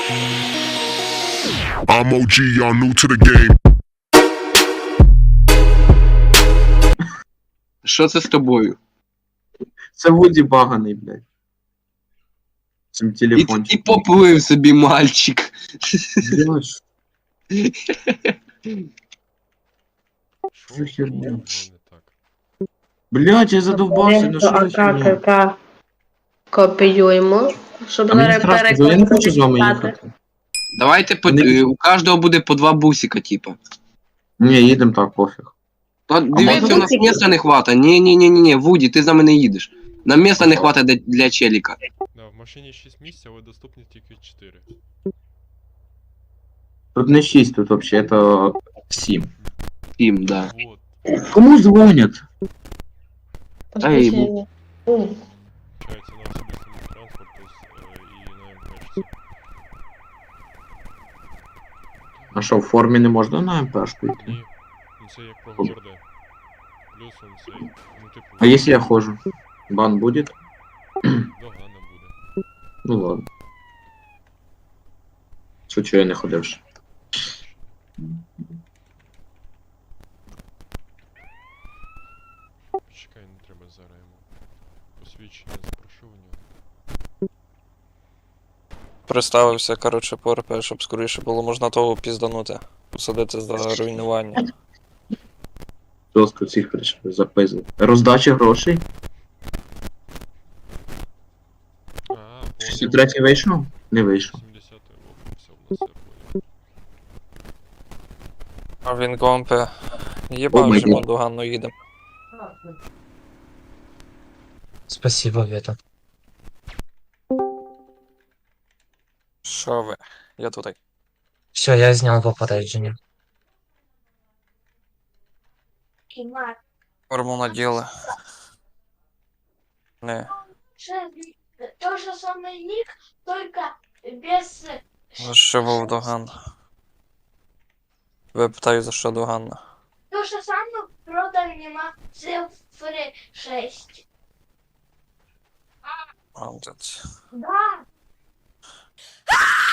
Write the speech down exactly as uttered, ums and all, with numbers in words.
I'm о джі, y'all new to the game. Що це з тобою? Це Вуді баганий, блядь. Цим І, телефончиком. і поплив собі мальчик. Блядь, Що за херня? не так? блядь, я задовбався, ну що за херня? АКК копіюємо, щоб А мені зараз страшно, бо я не хочу з вами перекладати. їхати. Давайте по, Вони- е, у кожного буде по два бусика, типа. Ні, їдемо так, пофіг. Ну, дивіться, можна у нас бусики? місця не хвата. Ні, ні, ні, ні, ні, Вуді, ти за мене їдеш. Нам місця не хвата для, для челіка. Да, в машині шість місць, але доступні тільки чотири. Тут не шість, тут взагалі це сім. Сім, да. Вот. Кому дзвонять? Ей, Посвідчення. Ой, Получається на особистому транспорту е, і на МПшці. А що, в формі не можна на МПшку йти? Ні. Ну це як про горде. Плюс он цей. Ну типу. А якщо я ходжу? Бан буде? Догана буде. Ну ладно. Шучу, я не ходив ще. Чекай, не треба зараз йому. Посвідчення запрошу у нього. Представився, коротше, по РП, щоб скоріше було можна того пізданути. Посадити за руйнування. Жорстко цих прийшли, запизли. Роздача грошей? А, шістдесят третій вийшов? Не вийшов. сімдесят все в нас все. А він компе. О Єбав, май вже ми гад. доганно їдемо. Спасибо, Вета. Що ви? Я тут. Все, я знял попередження. Форму наділи. Не. То же самый ник, только без... За що був доган? Ви питаю, за що доганна? То же самое, правда, нема цифры шесть. Молодець. Да.